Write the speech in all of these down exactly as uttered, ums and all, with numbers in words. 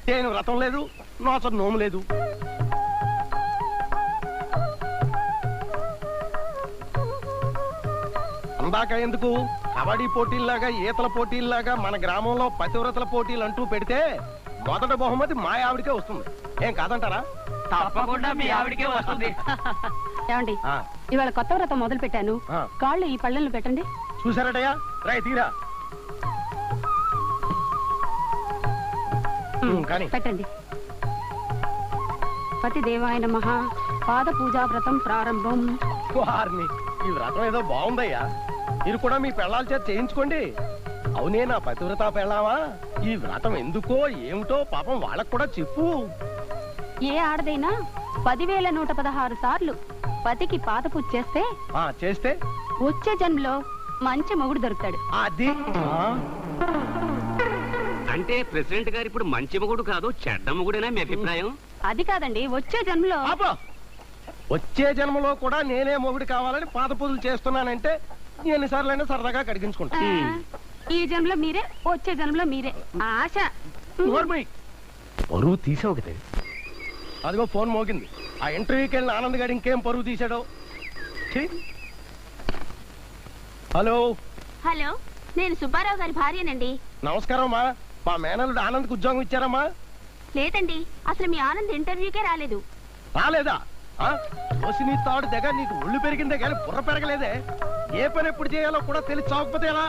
నేను వ్రతం లేదు, నోచ నోము లేదు. అందాక ఎందుకు కబడ్డీ పోటీల్లాగా ఈతల పోటీల్లాగా మన గ్రామంలో పతివ్రతల పోటీలు అంటూ పెడితే మొదటి బహుమతి మా ఆవిడికే వస్తుంది. ఏం కాదంటారా? తప్పకుండా మీ ఆవిడికే వస్తుంది. ఏమండి, ఇవాళ కొత్త వ్రతం మొదలు పెట్టాను. కాళ్ళు ఈ పళ్ళెంలో పెట్టండి. చూసారటయ్యా, రై తీరా కానీ పెట్టండి. పతి దేవాయన మహా పాద పూజా వ్రతం ప్రారంభం. వారిని ఈ వ్రతం ఏదో బాగుందయ్యా, మీరు కూడా మీ పెళ్ళాల చేత చేయించుకోండి. అవునే నా పతివ్రత పెళ్ళావా, ఈ వ్రతం ఎందుకో ఏమిటో పాపం వాళ్ళకు కూడా చెప్పు. ఏ ఆడదైనా పదివేల నూట పదహారు సార్లు పతికి పాద పూజ చేస్తే చేస్తే వచ్చే జన్మలో మంచి మొగుడు దొరుకుతాడు. అది అంటే ప్రెసిడెంట్ గారు ఇప్పుడు మంచి మొగుడు కాదు చెడ్డ మొగుడేనా మీ అభిప్రాయం? అది కాదండి, వచ్చే జన్మలో. వచ్చే జన్మలో కూడా నేనే మొగుడు కావాలని పాద పూజలు చేస్తున్నానంటే ఎన్నిసార్లైనా సరదాగా కడిగించుకుంటా. ఈ జన్మలో మీరే, వచ్చే జన్మలో మీరే. ఆశ పరువు తీసావు కదా. అదిగో ఫోన్ మోగింది. ఆ ఇంటర్వ్యూకి వెళ్ళిన ఆనంద్ గారు ఇంకేం పరువు తీశాడో. హలో హలో, నేను సుబ్బారావు గారి భార్యనండి. నమస్కారం అమ్మా. మా మేనల్లుడు ఆనంద్కి ఉద్యోగం ఇచ్చారమ్మా? లేదండి, అసలు మీ ఆనంద్ ఇంటర్వ్యూకే రాలేదు. రాలేదా? నీ తాడు దగ్గర నీకు ఒళ్ళు పెరిగిందే కానీ బుర్ర పెరగలేదే. ఏ పని ఎప్పుడు చేయాలో కూడా తెలిసి చావకపోతే ఎలా?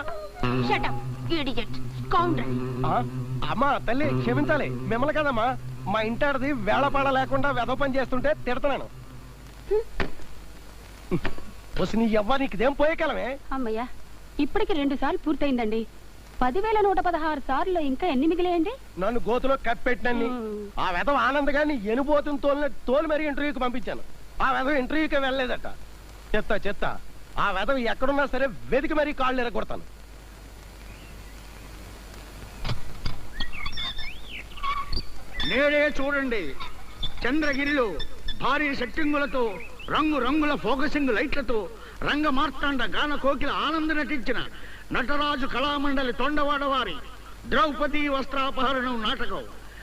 అమ్మా తల్లి క్షమించాలి, మిమ్మల్ని కదమ్మా. మా ఇంటాడిది వేళపాడ లేకుండా వెధ పని చేస్తుంటే తిడతాను. నీ ఎవ్వ నీకుదేం పోయే కాలమే. అమ్మయ్యా, ఇప్పటికి రెండు సార్లు పూర్తయిందండి. పదివేల నూట పదహారు సార్లు ఇంకా ఎన్ని మిగిలేయండి? నన్ను గోతులో కప్పెట్టినన్ని ఆ వెధవ ఆనంద్ గారిని ఎనుబోతుని తోలిన తోలు మరి ఇంటర్వ్యూకి పంపించాను. ఆ వెధవ ఇంటర్వ్యూకి వెళ్ళలేదట. చెత్త చెత్త. ఆ వెధవ ఎక్కడున్నా సరే వెతికి మరీ కాళ్ళు ఎరగొడతాను. నేడే చూడండి, చంద్రగిరిలో భారీ సెట్టింగులతో రంగు రంగుల ఫోకసింగ్ లైట్లతో రంగ మార్తాండ గాన కోకిల ఆనంద నటించిన నటరాజు కళామండలి తొండవాడ వారి ద్రౌపది వస్త్రాపహరణం నాటకం